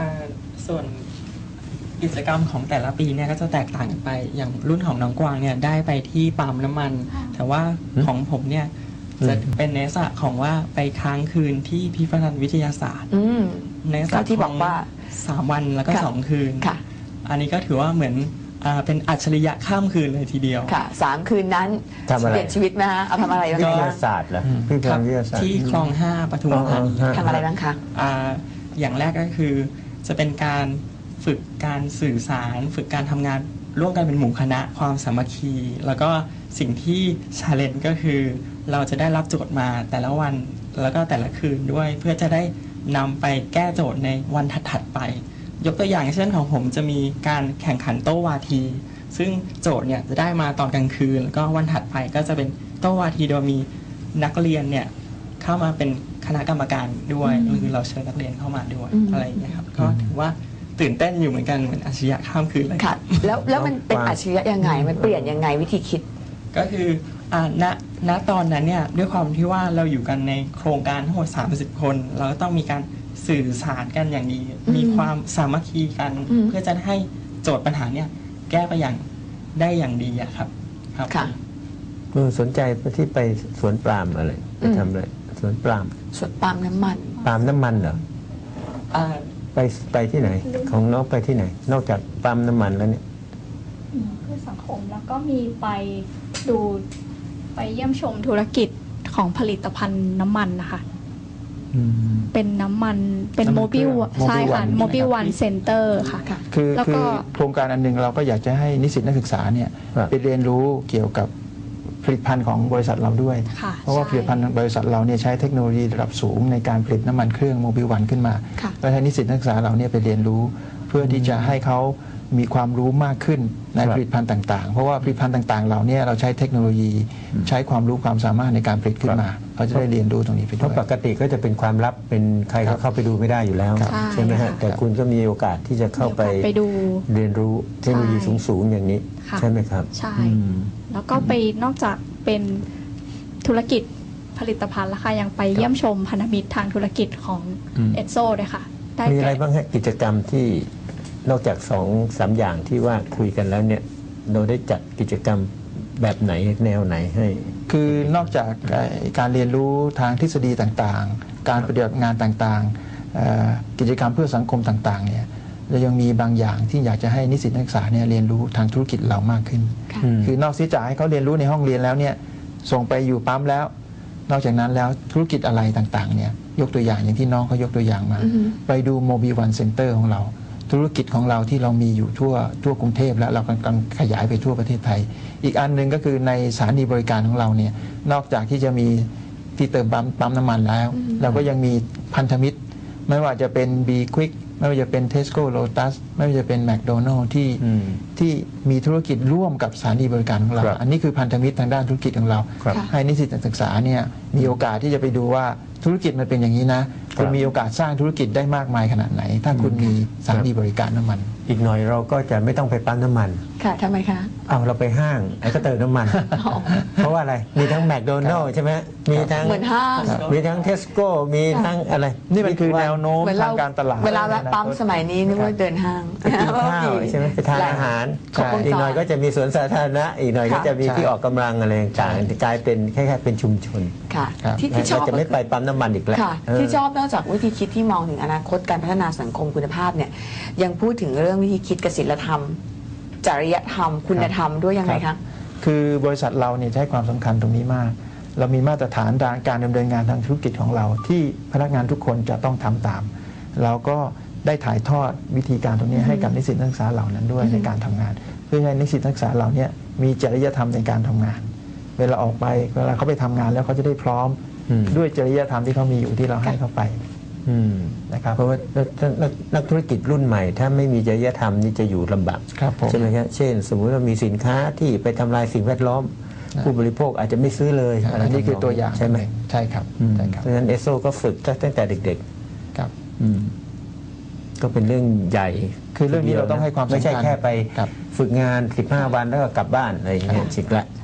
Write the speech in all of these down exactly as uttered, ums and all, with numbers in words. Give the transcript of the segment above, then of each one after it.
ส่วนกิจกรรมของแต่ละปีเนี่ยก็จะแตกต่างกันไปอย่างรุ่นของน้องกวางเนี่ยได้ไปที่ปั๊มน้ำมันแต่ว่าของผมเนี่ยจะเป็นในลักษณะของว่าไปค้างคืนที่พิพิธภัณฑ์วิทยาศาสตร์ในลักษณะที่บอกว่าสามวันแล้วก็สองคืนอันนี้ก็ถือว่าเหมือนเป็นอัจฉริยะข้ามคืนเลยทีเดียวค่ะสามคืนนั้นเปลี่ยนชีวิตไหมฮะเอาทำอะไรบ้างวิทยาศาสตร์เหรอพิพิธภัณฑ์วิทยาศาสตร์ที่คลองห้าปทุมธานีทำอะไรบ้างคะอย่างแรกก็คือจะเป็นการฝึกการสื่อสารฝึกการทำงานร่วมกันเป็นหมู่คณะความสามัคคีแล้วก็สิ่งที่ชาเลนจ์ก็คือเราจะได้รับโจทย์มาแต่ละวันแล้วก็แต่ละคืนด้วยเพื่อจะได้นำไปแก้โจทย์ในวันถัดๆไปยกตัวอย่างเช่นของผมจะมีการแข่งขันโต้วาทีซึ่งโจทย์เนี่ยจะได้มาตอนกลางคืนแล้วก็วันถัดไปก็จะเป็นโต้วาทีโดยมีนักเรียนเนี่ยเข้ามาเป็นคณะกรรมการด้วยหรือเราเชิญนักเรียนเข้ามาด้วยอะไรอย่างเงี้ยครับก็ถือว่าตื่นเต้นอยู่เหมือนกันเหมือนอาชญะข้ามคืนเลยค่ะแล้วแล้วมันเป็นอาชญะยังไงมันเปลี่ยนยังไงวิธีคิดก็คืออ่าณณตอนนั้นเนี่ยด้วยความที่ว่าเราอยู่กันในโครงการทั้งหมดสามสิบคนเราก็ต้องมีการสื่อสารกันอย่างดีมีความสามัคคีกันเพื่อจะให้โจทย์ปัญหาเนี่ยแก้ไปอย่างได้อย่างดีอะครับครับค่ะสนใจที่ไปสวนปาล์มอะไรไปทำอะไรสวนปาล์มสวนปาล์มน้ำมันปาล์มน้ำมันเหรอไปไปที่ไหนของน้องไปที่ไหนนอกจากปั๊มน้ำมันแล้วเนี่ยเพื่อสังคมแล้วก็มีไปดูไปเยี่ยมชมธุรกิจของผลิตภัณฑ์น้ำมันนะคะเป็นน้ำมันเป็นโมบิลใช่ค่ะโมบิลวันเซ็นเตอร์ค่ะคือคือโครงการอันหนึ่งเราก็อยากจะให้นิสิตนักศึกษาเนี่ยไปเรียนรู้เกี่ยวกับผลิตภัณฑ์ของบริษัทเราด้วยเพราะว่าผลิตภัณฑ์บริษัทเราเนี่ยใช้เทคโนโลยีระดับสูงในการผลิตน้ำมันเครื่องโมบิลวันขึ้นมาแล้วให้นิสิตนักศึกษาเราเนี่ยไปเรียนรู้เพื่อที่จะให้เขามีความรู้มากขึ้นในผลิตภัณฑ์ต่างๆเพราะว่าผลิตภัณฑ์ต่างๆเราเนี่ยเราใช้เทคโนโลยีใช้ความรู้ความสามารถในการผลิตขึ้นมาเขาจะได้เรียนรู้ตรงนี้ไปด้วยเพราะปกติก็จะเป็นความลับเป็นใครก็เข้าไปดูไม่ได้อยู่แล้วใช่ไหมฮะแต่คุณก็มีโอกาสที่จะเข้าไปเรียนรู้เทคโนโลยีสูงๆอย่างนี้ใช่ไหมครับใช่แล้วก็ไปนอกจากเป็นธุรกิจผลิตภัณฑ์แล้วค่ะยังไปเยี่ยมชมพันธมิตรทางธุรกิจของเอสโซด้วยค่ะมีอะไรบ้างฮะกิจกรรมที่นอกจากสองสามอย่างที่ว่าคุยกันแล้วเนี่ยเราได้จัดกิจกรรมแบบไหนแนวไหนให้คือนอกจากการเรียนรู้ทางทฤษฎีต่างๆการปฏิบัติงานต่างๆกิจกรรมเพื่อสังคมต่างๆเนี่ยเรายังมีบางอย่างที่อยากจะให้นิสิตนักศึกษาเนี่ยเรียนรู้ทางธุรกิจเรามากขึ้นคือนอกจากให้เขาเรียนรู้ในห้องเรียนแล้วเนี่ยส่งไปอยู่ปั๊มแล้วนอกจากนั้นแล้วธุรกิจอะไรต่างๆเนี่ยยกตัวอย่างอย่างที่น้องเขายกตัวอย่างมาไปดูโมบิลวันเซ็นเตอร์ของเราธุรกิจของเราที่เรามีอยู่ทั่วทั่วกรุงเทพและเรากำลังขยายไปทั่วประเทศไทยอีกอันหนึ่งก็คือในสถานีบริการของเราเนี่ยนอกจากที่จะมีที่เติมปั๊มปั๊มน้ำมันแล้วเราก็ยังมีพันธมิตรไม่ว่าจะเป็น B Quick ไม่ว่าจะเป็น Tesco Lotus ไม่ว่าจะเป็น McDonald ที่ที่มีธุรกิจร่วมกับสถานีบริการของเราอันนี้คือพันธมิตรทางด้านธุรกิจของเราให้นิสิตนักศึกษาเนี่ยมีโอกาสที่จะไปดูว่าธุรกิจมันเป็นอย่างนี้นะคุณมีโอกาสสร้างธุรกิจได้มากมายขนาดไหนถ้าคุณมีสถานีบริการน้ำมันอีกหน่อยเราก็จะไม่ต้องไปปั๊มน้ำมันค่ะทำไมคะเอาเราไปห้างแล้วก็เติมน้ำมันเพราะว่าอะไรมีทั้งแมคโดนัลล์ใช่ไหมมีทั้งเหมือนห้างมีทั้งเทสโก้มีทั้งอะไรนี่มันคือแนวโน้มทางการตลาดเวลาแวะปั๊มสมัยนี้นึกว่าเดินห้างไปกินข้าวใช่ไหมไปทานอาหารอีกหน่อยก็จะมีสวนสาธารณะอีกหน่อยก็จะมีที่ออกกำลังอะไรต่างๆกลายเป็นแค่เป็นชุมชนค่ะที่ชอบจะไม่ไปปั๊มน้ำมันอีกแล้วที่ชอบนอกจากวิธีคิดที่มองถึงอนาคตการพัฒนาสังคมคุณภาพเนี่ยยังพูดถึงเรื่องวิธีคิดกับศีลธรรมจริยธรรมคุณธรรมด้วยยังไงคะคือบริษัทเราเนี่ยใช้ความสำคัญตรงนี้มากเรามีมาตรฐานการดำเนินงานทางธุรกิจของเราที่พนักงานทุกคนจะต้องทำตามเราก็ได้ถ่ายทอดวิธีการตรงนี้ให้กับนิสิตนักศึกษาเหล่านั้นด้วยในการทำงานเพื่อให้นิสิตนักศึกษาเหล่านี้มีจริยธรรมในการทำงานเวลาออกไปเวลาเขาไปทำงานแล้วเขาจะได้พร้อมด้วยจริยธรรมที่เขามีอยู่ที่เราให้เขาไปนะครับเพราะว่านักธุรกิจรุ่นใหม่ถ้าไม่มีจริยธรรมนี่จะอยู่ลำบากใช่ไหมครับเช่นสมมุติว่ามีสินค้าที่ไปทำลายสิ่งแวดล้อมผู้บริโภคอาจจะไม่ซื้อเลยอันนี้คือตัวอย่างใช่ไหมใช่ครับเพราะฉะนั้นเอสโซก็ฝึกตั้งแต่เด็กๆครับก็เป็นเรื่องใหญ่คือเรื่องนี้เราต้องให้ความสำคัญไม่ใช่แค่ไปฝึกงานสิบห้าวันแล้วก็กลับบ้านอะไรอย่างเงี้ยชิกละ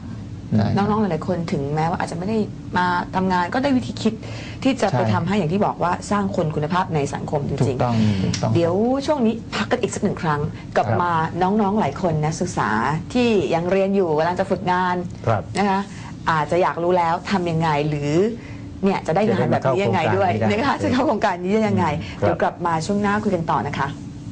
ได้น้องๆหลายๆคนถึงแม้ว่าอาจจะไม่ได้มาทำงานก็ได้วิธีคิดที่จะใช่ไปทำให้อย่างที่บอกว่าสร้างคนคุณภาพในสังคมจถูริกงต้องถูกต้องๆ เดี๋ยวช่วงนี้พักกันอีกสักหนึ่งครั้งกลับครับมาน้องๆหลายคนนักศึกษาที่ยังเรียนอยู่กำลังจะฝึกงานครับนะคะอาจจะอยากรู้แล้วทำยังไงหรือเนี่ยจะได้งานแบบนี้ยังไงด้วยจะได้มานะคะเข้าโครงการนี้ได้จะเข้าโครงการนี้ได้ยังไงครับเดี๋ยวกลับมาช่วงหน้าคุยกันต่อนะคะ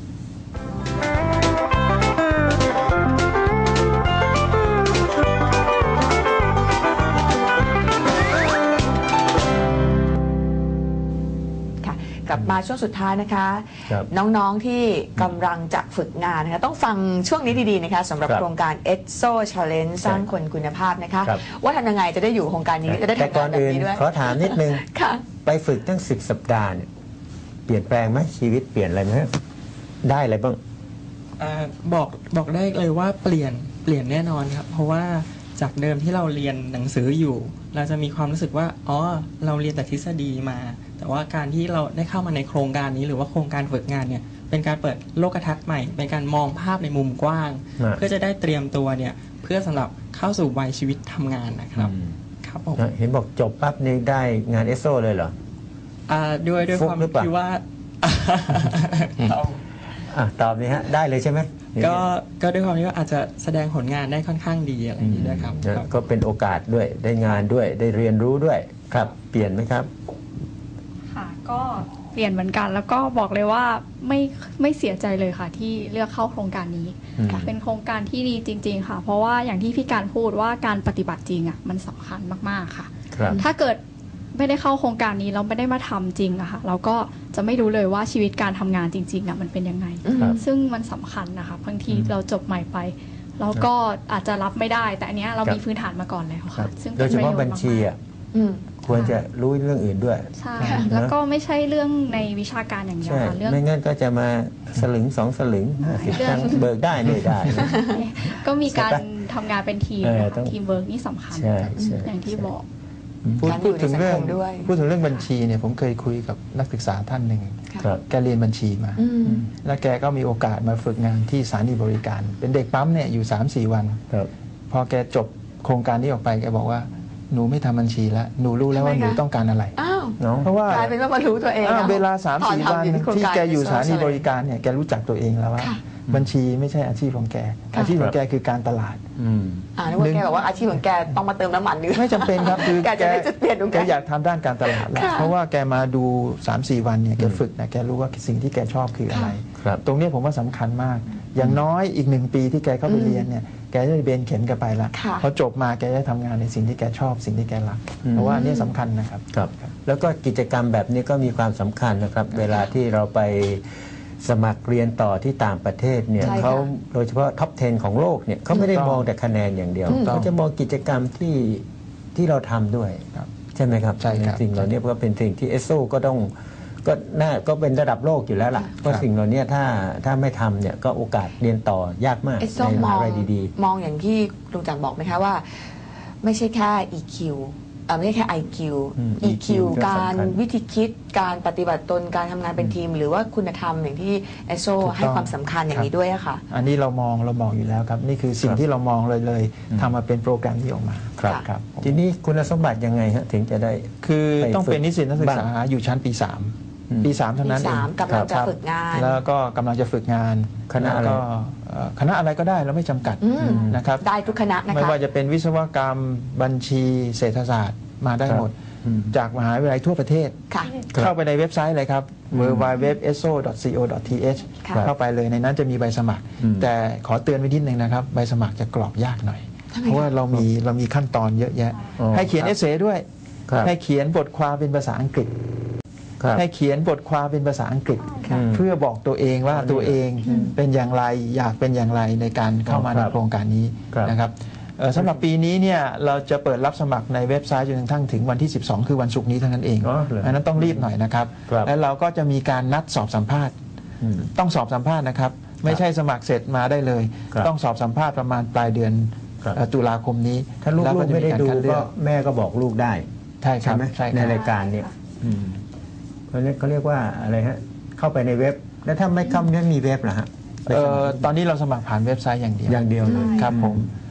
กลับมาช่วงสุดท้ายนะคะครับน้องๆที่กำลังจะฝึกงานนะคะต้องฟังช่วงนี้ดีๆนะคะสำหรับครับโครงการ เอ็กโซ Challenge สร้างคนคุณภาพนะคะครับว่าทำยังไงจะได้อยู่โครงการนี้จะได้แต่ทำก่งาอน นแบบอื่นนี้ด้วยขอถามนิดนึงค่ะไปฝึกตั้งสิบสัปดาห์เนี่ยเปลี่ยนแปลงไหมชีวิตเปลี่ยนอะไรไหมได้อะไรบ้างอ่าบอกบอกได้เลยว่าเปลี่ยนเปลี่ยนแน่นอนครับ เพราะว่าจากเดิมที่เราเรียนหนังสืออยู่ เราจะมีความรู้สึกว่าอ๋อเราเรียนแต่ทฤษฎีมา แต่ว่าการที่เราได้เข้ามาในโครงการนี้หรือว่าโครงการฝึกงานเนี่ยเป็นการเปิดโลกทัศน์ใหม่ เป็นการมองภาพในมุมกว้างอ่าเพื่อจะได้เตรียมตัวเนี่ยเพื่อสำหรับเข้าสู่วัยชีวิตทำงานนะครับอืมครับผมเห็นบอกจบปั๊บนี่ได้งานเอสโซเลยเหรออ่าด้วยด้วยฟุคกวามหรือเปล่าที่ว่า ครับอ่ะตอบนี่ฮะได้เลยใช่ไหมก็ก็ด้วยความที่ว่าอาจจะแสดงผลงานได้ค่อนข้างดีอะไรอย่างนี้ด้วยครับนะครับ ก็เป็นโอกาสด้วยได้งานด้วยได้เรียนรู้ด้วยครับ เปลี่ยนไหมครับค่ะก็เปลี่ยนเหมือนกัน แล้วก็บอกเลยว่าไม่ไม่เสียใจเลยค่ะ ที่เลือกเข้าโครงการนี้อืมเป็นโครงการที่ดีจริง ๆ ค่ะ เพราะว่าอย่างที่พี่การพูดว่าการปฏิบัติจริงอ่ะมันสำคัญมากๆค่ะครับถ้าเกิดไม่ได้เข้าโครงการนี้เราไม่ได้มาทำจริงอะค่ะ เราก็จะไม่รู้เลยว่าชีวิตการทำงานจริงๆอะมันเป็นยังไงครับซึ่งมันสำคัญนะคะบางทีอืมเราจบใหม่ไปเราก็อาจจะรับไม่ได้ แต่อันเนี้ยเราครับมีพื้นฐานมาก่อนแล้วครัค่ะบซึ่งโดยเฉพาะบัญชีอ่ะอืมควรจะรู้เรื่องอื่นด้วยใช่นะแล้วก็ไม่ใช่เรื่องในวิชาการอย่างเดียวใช่ค่ะเรื่องไม่งั้นก็จะมาสลึงสองสลึงห้าสิบเรื่องตังค์เบิกได้ไม่ได้นะก็มีการใช่ปะทำงานเป็นทีมเออนะคะต้องทีมเวิร์กนี่สำคัญใช่ใช่อย่างที่บอกพูดการอยู่พูดถึงเรื่องในสังคมด้วยพูดถึงเรื่องบัญชีเนี่ยผมเคยคุยกับนักศึกษาท่านหนึ่งครับแกเรียนบัญชีมาอืมแล้วแกก็มีโอกาสมาฝึกงานที่สถานีบริการ เป็นเด็กปั๊มเนี่ยอยู่ สามสี่ วันครับพอแกจบโครงการนี้ออกไปแกบอกว่าหนูไม่ทำบัญชีแล้วหนูรู้แล้วว่าทำไมหนูคะต้องการอะไรอ้าวเนาะเพราะว่ากลายเป็นว่ามารู้ตัวเองอ่านะเวลา สามตอสี่ทำวันอยู่โครงที่การแกอยู่สถานี Social บริการเนี่ยแกรู้จักตัวเองแล้วว่าค่ะบัญชีไม่ใช่อาชีพของแกค่ะอาชีพของแกคือการตลาดอืมอ่านึกว่าแกบอกว่าอาชีพของแกต้องมาเติมน้ำมันหรือไม่จำเป็นครับคือแกจะได้จุดเปลี่ยนตรงแกนั้นอยากทำด้านการตลาดแล้วค่ะเพราะว่าแกมาดู สามสี่ วันเนี่ยแกฝึกนะแกรู้ว่าสิ่งที่แกชอบคืออะไรครับตรงเนี้ยผมว่าสำคัญมาก อย่างน้อยอีกหนึ่งปีที่แกเข้าไปเรียนเนี่ยแกจะได้เบนเข็มกันไปละค่ะพอจบมาแกจะทำงานในสิ่งที่แกชอบสิ่งที่แกรักอืมเพราะว่าอันเนี้ยสำคัญนะครับครับแล้วก็กิจกรรมแบบนี้ก็มีความสำคัญนะครับ เวลาที่เราไปสมัครเรียนต่อที่ต่างประเทศเนี่ยใช่ค่ะเขาโดยเฉพาะท็อปสิบของโลกเนี่ยเขาไม่ได้ถูกต้องมองแต่คะแนนอย่างเดียวถูกต้องเขาจะมองกิจกรรมที่ที่เราทำด้วยครับใช่ไหมครับใช่ครับสิ่งเหล่านี้ก็เป็นสิ่งที่เอสโซก็ต้องก็น่าก็เป็นระดับโลกอยู่แล้วล่ะเพราะสิ่งเหล่านี้ถ้าถ้าไม่ทำเนี่ยก็โอกาสเรียนต่อยากมากเอสโซในมมอหาง ลัยดีมองอย่างที่ลุงจันบอกไหมคะว่า ไม่ใช่แค่ อี คิว เอ่อไม่ใช่แค่ ไอ คิวอืมอี คิวก็การสำคัญวิธีคิดการปฏิบัติตนการทำงานเป็นทีม หรือว่าคุณธรรมอย่างที่เอสโซถูกต้องให้ความสำคัญอย่างนี้ด้วยอะค่ะอันนี้เรามองเรามองอยู่แล้วครับ นี่คือสิ่งที่เรามองเลยเลยอืมทำมาเป็นโปรแกรมที่ออกมาๆ ครับครับผมทีนี้คุณสมบัติยังไงฮะถึงจะได้คือไปต้องเป็นฝึกนิสิตนักศึกษาบ้างอยู่ชั้นปีสามอืมปีสามเท่านั้นปีเองสามกำลังจะครับฝึกงานแล้วก็กำลังจะฝึกงานคณะอะไรแล้วก็เอ่อคณะอะไรก็ได้เราไม่จำกัดอืมนะครับได้ทุกคณะนะไม่คะว่าจะเป็นวิศวกรรมบัญชีเศรษฐศาสตร์มาได้หมดอืมจากมหาวิทยาลัยทั่วประเทศค่ะครับเข้าไปในเว็บไซต์เลยครับอืมดับเบิลยู ดับเบิลยู ดับเบิลยู ดอท เอส โอ ดอท ซี โอ ดอท ที เอชค่ะเข้าไปเลยในนั้นจะมีใบสมัครอืมแต่ขอเตือนไว้นิดนึงนะครับ ใบสมัครจะกรอกยากหน่อยทำไมเพราะว่าคะเรามีเรามีขั้นตอนเยอะแยะอ๋อให้เขียนครับเอเซด้วยครับให้เขียนบทความเป็นภาษาอังกฤษครับให้เขียนบทความเป็นภาษาอังกฤษอืมเพื่อบอกตัวเองว่าอืมตัวเองเป็นอย่างไรอยากเป็นอย่างไรในการเข้ามาคในรับโครงการนี้ครับนะครับเอ่อสำหรับปีนี้เนี่ยเราจะเปิดรับสมัครในเว็บไซต์จนกระทั่งถึงวันที่ สิบสอง คือวันศุกร์นี้เท่านั้นเองอ๋อเหรออันนั้นต้องรีบหน่อยนะครับครับแล้วเราก็จะมีการนัดสอบสัมภาษณ์อืมต้องสอบสัมภาษณ์นะครับ ไม่ใช่สมัครเสร็จมาได้เลยครับต้องสอบสัมภาษณ์ประมาณปลายเดือนครับเอ่อตุลาคมนี้ถ้าลูกแวๆจะไม่ได้การดูคัเลืก็อกแม่ก็บอกลูกได้ใช่คใช่รับไหมใช่คในรับรายการเนี่ยอืมเขาเรียกเขาเรียกว่าอะไรฮะ เข้าไปในเว็บ แล้วถ้าไม่เข้าไม่มีเว็บเหรอฮะเอ่อตอนนี้เราสมัครผ่านเว็บไซต์อย่างเดียวอย่างเดียวเลยครับผมเออ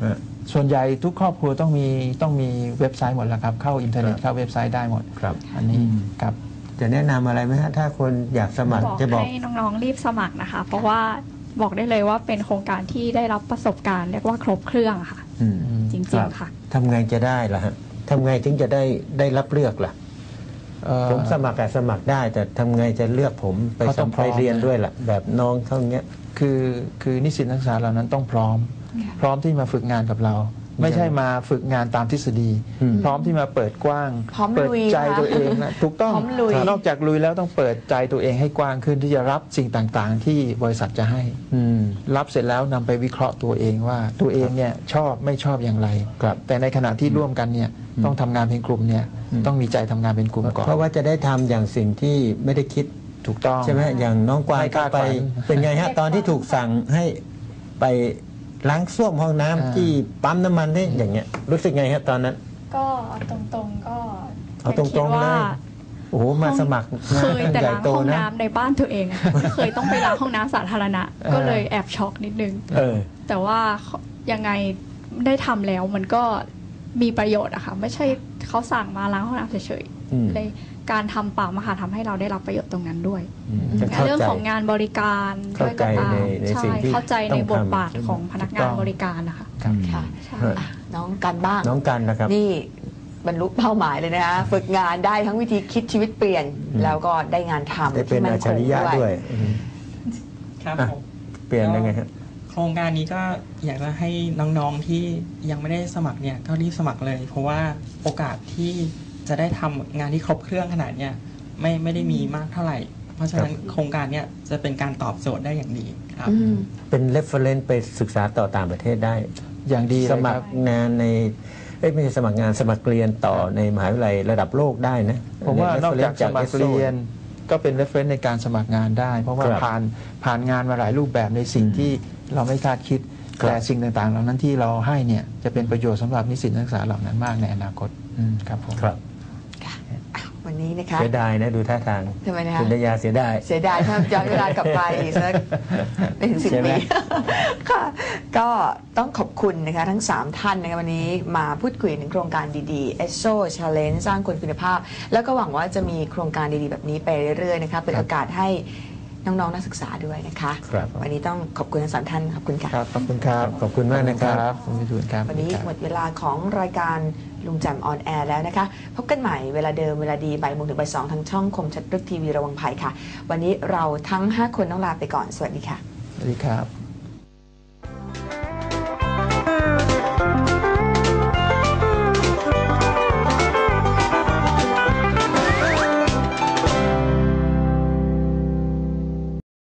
ส่วนใหญ่ทุกครอบครัวต้องมีต้องมีเว็บไซต์หมดแล้วครับเข้าอินเทอร์เน็ตเข้าเว็บไซต์ได้หมดครับอันนี้ครับจะแนะนำอะไรไหมฮะถ้าคนอยากสมัครบอกจะบอกให้น้องๆรีบสมัครนะคะ เพราะว่าบอกได้เลยว่าเป็นโครงการที่ได้รับประสบการณ์เรียกว่าครบเครื่องค่ะอืมจริครังบๆค่ะทำไงจะได้ล่ะฮะทำไงถึงจะได้ได้รับเลือกล่ะเอ่อผมสมัครอะสมัครได้ แต่ทำไงจะเลือกผมไปเขาต้องสำพร้ไปอมเรียนด้วยล่ะ แบบน้องเขาอย่างเงี้ยคือคือนิสิตนักศึกษาเหล่านั้นต้องพร้อม พร้อมที่มาฝึกงานกับเรา ไม่ใช่มาฝึกงานตามทฤษฎีอืมพร้อมที่มาเปิดกว้างพร้อมเปิดลุยใจนะคะตัวเองนะถูกต้องพร้อมลุยนอกจากลุยแล้วต้องเปิดใจตัวเองให้กว้างขึ้นที่จะรับสิ่งต่างๆ ที่บริษัทจะให้อืมรับเสร็จแล้วนำไปวิเคราะห์ตัวเองว่าตัวเองเนี่ยชอบไม่ชอบอย่างไรครับแต่ในขณะที่ร่วมกันเนี่ยต้องทำงานเป็นกลุ่มเนี่ยอืมต้องมีใจทำงานเป็นกลุ่มก่อนเพราะว่าจะได้ทำอย่างสิ่งที่ไม่ได้คิดถูกต้องใช่ไหมอย่างน้องกวางไม่คาดไปฝันเป็นไงฮะ ตอนที่ถูกสั่งให้ไปล้างส้วมห้องน้ำอ่าที่ปั๊มน้ำมันนี่อย่างเงี้ย รู้สึกไงฮะตอนนั้นก็ตรงๆก็เอาตรงๆเลย โอ้โหมาสมัครงานเคยแต่ใหญ่ล้างโตห้องนะน้ำในบ้านตัวเองอะไม่เคยต้องไปล้างห้องน้ำสาธารณะ ก็เลยแอบช็อกนิดนึงเออแต่ว่ายังไงได้ทำแล้วมันก็มีประโยชน์อะค่ะ ไม่ใช่เขาสั่งมาล้างห้องน้ำเฉยอืมๆเลยการทำปั๊มอะค่ะทำให้เราได้รับประโยชน์ตรงนั้นด้วยอืมจะเข้าเรื่องใจของงานบริการเข้าใจด้วยก็ตามในในใช่สิ่งที่เข้าใจในต้องบททำบาทของพนักงานบริการนะคะครับค่ะใช่อ่ะน้องกันบ้างน้องกันนะครับนี่บรรลุเป้าหมายเลยนะคะฝึกงานได้ทั้งวิธีคิดชีวิตเปลี่ยนอืมแล้วก็ได้งานทำได้เป็นที่มั่อัจฉริยะด้วยอืมครับอ่ะผมเปลี่ยนยังไงฮะโครงการนี้ก็อยากจะให้น้องๆที่ยังไม่ได้สมัครเนี่ยก็รีบสมัครเลย เพราะว่าโอกาสที่จะได้ทำงานที่ครบเครื่องขนาดเนี้ยไม่ไม่ได้มีมากเท่าไหร่ เพราะฉะนั้นโครงการเนี้ยจะเป็นการตอบโจทย์ได้อย่างดีครับอืมเป็น reference ไปศึกษาต่อต่างประเทศได้อย่างดีเลยสคมัรัคบรงานในเอ้ยไม่ใช่สมัครงานสมัครเรียนต่อในมหาวิทยาลัยระดับโลกได้นะผมว่านอกจากสมัครเอสโซเรียนก็เป็น reference ในการสมัครงานได้ เพราะว่าครับผ่านผ่านงานมาหลายรูปแบบในสิ่งที่เราไม่คาดคิดครับแต่สิ่งต่างๆ เหล่านั้นที่เราให้เนี่ยจะเป็นประโยชน์สำหรับนิสิตนักศึกษาเหล่านั้นมากในอนาคตอืมครับผมครับค่ะอ่ะวันนี้นะคะเสียดายนะดูท่าทางทำไมนะคะคุณดยาเสียดายเสียดายถ้าย้อนเวลากลับไปอีกสักไม่ถึงสิบใช่ไหมปี ค่ะ ก็ต้องขอบคุณนะคะทั้ง สาม ท่านนะคะวันนี้มาพูดคุยถึงโครงการดีๆ เอส โอ Challenge สร้างคนคุณภาพ แล้วก็หวังว่าจะมีโครงการดีๆ แบบนี้ไปเรื่อยๆนะคะเป็นโอกาสให้น้องๆนักศึกษาด้วยนะคะครับวันนี้ต้องขอบคุณทั้งสามท่านขอบคุณค่ะครับขอบคุณครับขอบคุณมากนะครับขอบคุณพี่ทูนครับวันนี้ครับหมดเวลาของรายการลุงแจมออนแอร์แล้วนะคะ พบกันใหม่เวลาเดิมเวลาดีบ่ายโมงถึงบ่ายสองทางช่องคมชัดรึกทีวีระวังภัยค่ะ วันนี้เราทั้งห้าคนต้องลาไปก่อนสวัสดีค่ะสวัสดีครับ